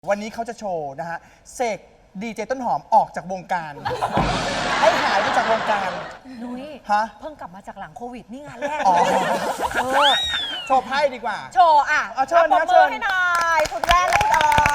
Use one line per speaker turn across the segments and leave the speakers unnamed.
วันนี้เขาจะโชว์นะฮะเสกดีเจต้นหอมออกจากวงการให้หายไปจากวงการ
นุ้ย
ฮะ
เพิ่งกลับมาจากหลังโควิดนี่งานแรก
อ๋อโชว์ไพ่ดีกว่า
โชว์อ่ะ
เอาเชิญ
ปรบ
นะ
มื
เชิ
อ
ญ
ให้หน่อยคุณแว่นและคุณออย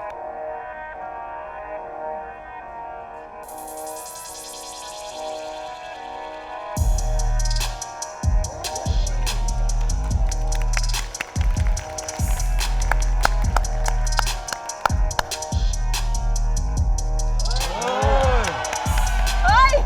เฮ้ย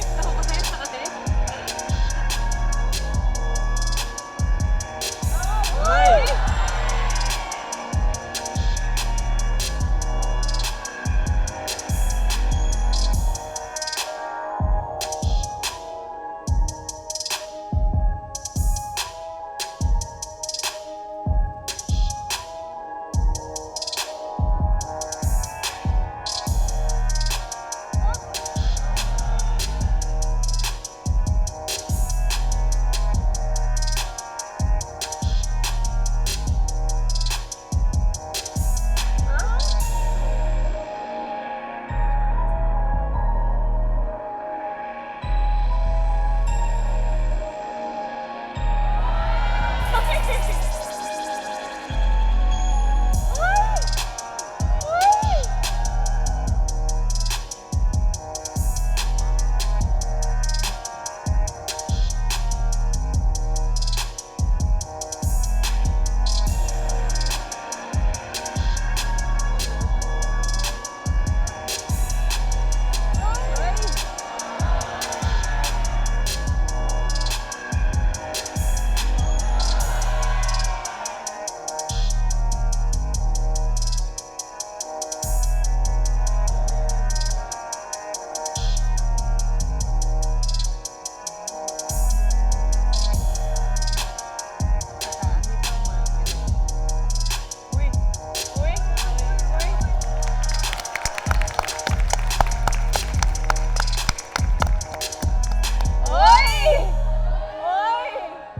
เฮ้ย เฮ้ย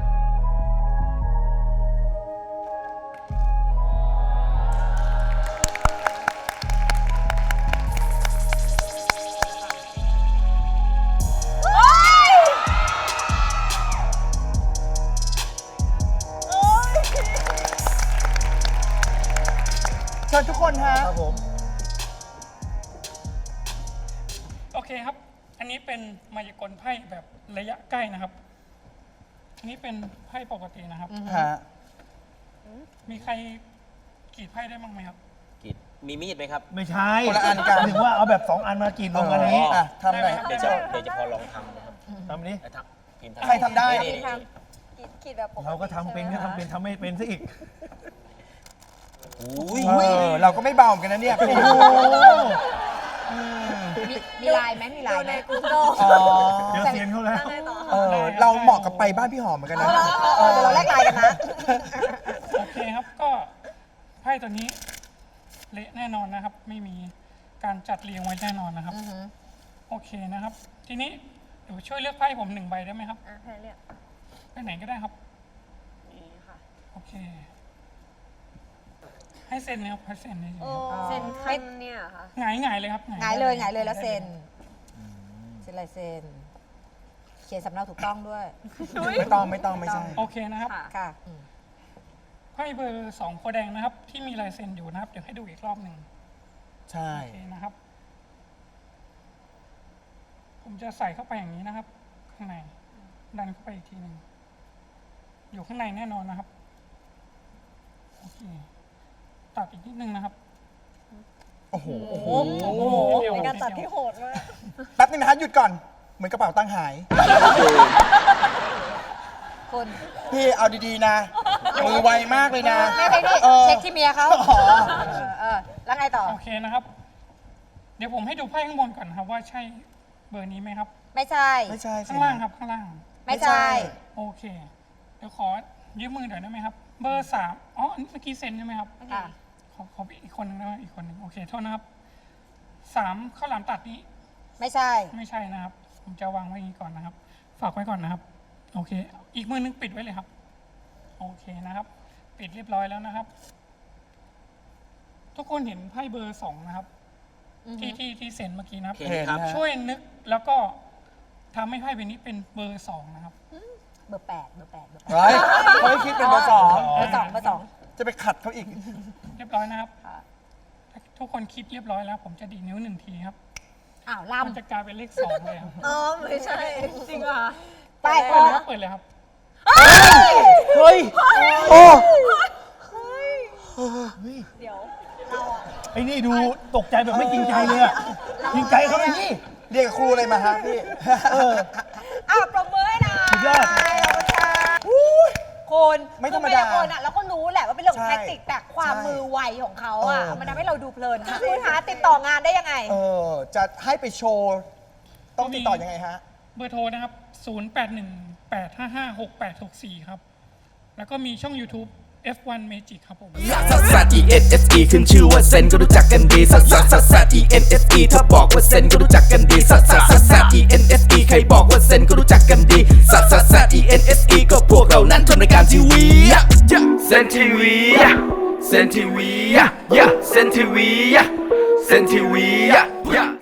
เฮ้ย
เชิญทุกคนฮะ
ครับผม
โอเคครับ อันนี้เป็นมายากลไพ่แบบระยะใกล้นะครับ อันนี้เป็นไพ่ปกตินะครับ
ฮะ
มีใครกรีดไพ่ได้บ้างไหมครับ
กรีดมีมีดไหมครับ
ไม่ใช่
คนละอันกัน
ถึงว่าเอาแบบ2 อันมากรีดรวมกันนี้
อ่ะทำหน่อย
เดี๋ยวจะพอลองทำนะครับ
ทำนี้
พิมพ์
ใครทำได้
นี่
ขีดแบบปกติ
เราก็ทำเป็นก็ทำเป็นทำไม่เป็นซะอีก
อุ้ย
เราก็ไม่เบาเหมือนกันนะเนี่ย
โอ้โห
มีลายไหมมีลายไหม
อ๋อ
เดี๋ยวเซียนเขาแล้ว
เราเหมาะกับไปบ้านพี่หอมเหมือนกันนะ
เดี๋ยวเราแลกลายกันนะ
โอเคครับ ก็ไพ่ตัวนี้เละแน่นอนนะครับ ไม่มีการจัดเรียงไว้แน่นอนนะครับ โอเคนะครับ ทีนี้เดี๋ยวช่วยเลือกไพ่ผม1 ใบได้ไหมครับ
อ่ะให้เลือก
ไปไหนก็ได้ครับ
นี่ค่ะ
โอเค ให้เซ็นนะครับให้เซ็นเลยครับ
เซ็นขั้นเนี่ยค่ะ
หงายเลยครับ
หงายเลยแล้วเซ็นลายเซ็น เขียนสำเนาถูกต้องด้วย
ไม่ต้องไม่ใช่
โอเคนะครับ
ค่ะ
ไพ่เบอร์2โพธิ์แดงนะครับ ที่มีลายเซ็นอยู่นะครับ เดี๋ยวให้ดูอีกรอบหนึ่ง
ใช่
โอเคนะครับ ผมจะใส่เข้าไปอย่างนี้นะครับ ข้างในดันเข้าไปอีกทีหนึ่งอยู่ข้างในแน่นอนนะครับโอเคตัดอีกนิดนึงนะครับ
โอ้โห
เป็นการตัดที่โหด
แป๊บนึงนะฮะหยุดก่อน เหมือนกระเป๋าตังค์หาย
คน
พี่เอาดีๆนะ มือไวมากเลยนะ
ไม่ได้นี่
ออ
เช็คที่เมียเขา
อ๋อ
แล้วไงต่อ
โอเคนะครับ เดี๋ยวผมให้ดูไพ่ข้างบนก่อนนะครับ ว่าใช่เบอร์นี้ไหมครับ
ไม่ใช่
ไม่ใช่สิ
ข้างล่างครับข้างล่าง
ไม่ใช่
โอเค เดี๋ยวขอยืมมือหน่อยได้ไหมครับ เบอร์3อ๋อเมื่อกี้เซ็นใช่ไหมครับ
ค่ะ
ขออีกคนนึงนะอีกคนนึงโอเคโทษนะครับ3ข้าวหลามตัดนี้
ไม่ใช่
ไม่ใช่นะครับ ผมจะวางไว้อย่างนี้ก่อนนะครับ ฝากไว้ก่อนนะครับ โอเค อีกมือนึงปิดไว้เลยครับ โอเคนะครับ ปิดเรียบร้อยแล้วนะครับทุกคนเห็นไพ่เบอร์2นะครับ ที่เซ็นเมื่อกี้นะครับ
เห็นครับ
เห็นนะ
ช่วยนึกแล้วก็ทำให้ไพ่ใบนี้เป็นเบอร์2นะครับ
เบอร์ 8 เบอร์ 8 เบอร์
เฮ้ยเขาให้คิดเป็นเบอร์สอง
8เบอร์ 2 เบอร์
จะไปขัดเขาอีก
เรียบร้อยนะครับถ้าทุกคนคิดเรียบร้อยแล้ว ผมจะดีดนิ้ว1 ทีครับ
2อ้าว
มัน
ล่ำ
จะกลายเป็นเลข2เลยครับ
อ๋อไม่ใช่ จริงเหรอ
ไป
เปิดเลยครับเปิดเลยครับ
เฮ้ย โอ้
เดี๋ยว
ไอ้นี่ดูตกใจแบบไม่จริงใจเลยอะจริงใจเขาเลยนี่
เรียกครูอะไรมาฮะพี่
อ้าวปรบมือให้หน่อย
สุดยอด
ขอบคุณค่ะคุณ
ไม่ธรรมดา
คือเป็นคนอ่ะเราก็รู้แหละว่าเป็นเรื่องของ
ใช่
แท็กติกแต่ความ
ใช่
มือไวของเขาอ่ะ
เออ
มันทำให้เราดูเพลินค่ะคุณคะติดต่องานได้ยังไง
จะให้ไปโชว์ ต้องติดต่อยังไงฮะ
เบอร์โทรนะครับ 0818556864 ครับ แล้วก็มีช่อง YouTube F1 Magic ครับผม
ซัสซัส E N S E ขึ้นชื่อว่าเซนก็รู้จักกันดีซัสซัสซัสซัส E N S E ถ้าบอกว่าเซนก็รู้จักกันดีซัสซัสซัสซัส E N S E ใครบอกว่าเซนก็รู้จักกันดีซัสซัสซัส E N S E ก็พวกเรานั้นทำรายการทีวีเซนทีวีเซนทีวีเซนทีวีเซนทีวี